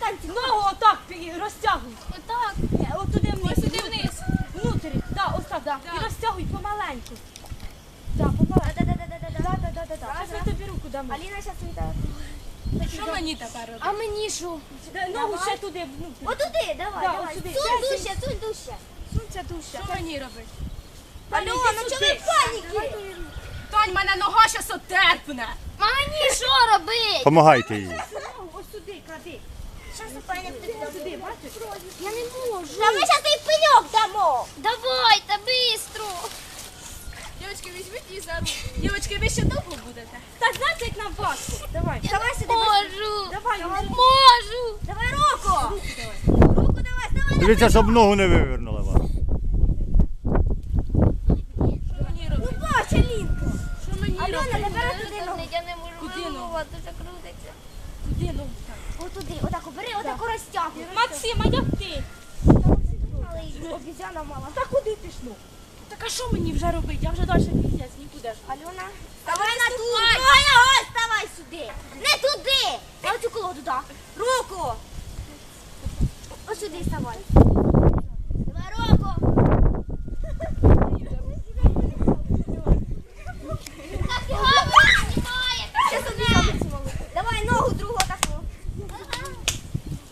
Танці. Ногу отак розтягуй. Отак. От туди вниз. Ось сюди вниз. Внутрі. Да, ось так. Да. І розтягуй помаленьку. Да, помаленьку. Да-да-да-да-да. Зараз я тобі руку дамо. Аліна зараз вітає. Що мені тепер робити? А мені що? Ногу ще туди, внутрі. Отуди, давай, Да, давай. сюди. Сунь дужче, сунь дужче. Сунься дужче. Що мені робити? Альона, ну чого ви в паніки? Тонь, мене нога щас отерпне. А мені що робити? Помагайте їй. Ногу ось сюди клади. Щас упаємо Сюди, бачиш? Я не можу. Та ми зараз і пеньок дамо. Давайте, бистро. Дівчатки, візьміть її за руку. Дівчатки, ви ще довго будете? Так, знаєте, як нам важко? Давай. Давай сюди. Можу. Давай, Можу. Давай руку. Руку давай, давай. Дивіться, щоб ногу не вивернула вас. Що мені робити? Бач, Алінка. Що мені Альона, робити? тепер туди ногу. Я не можу Куди ногу? вилувати, дуже крутиться. Куди ногу так? Отуди, отак обери, отак розтягуй. Максим, а як ти? Обізяна мала. Та куди ти ж ну? Так а що мені вже робити? Я вже далі піздець нікуди ж. Альона, давай на ту. Ой, ставай сюди. Не туди. На цю колоду, так. Руку. Ось сюди ставай.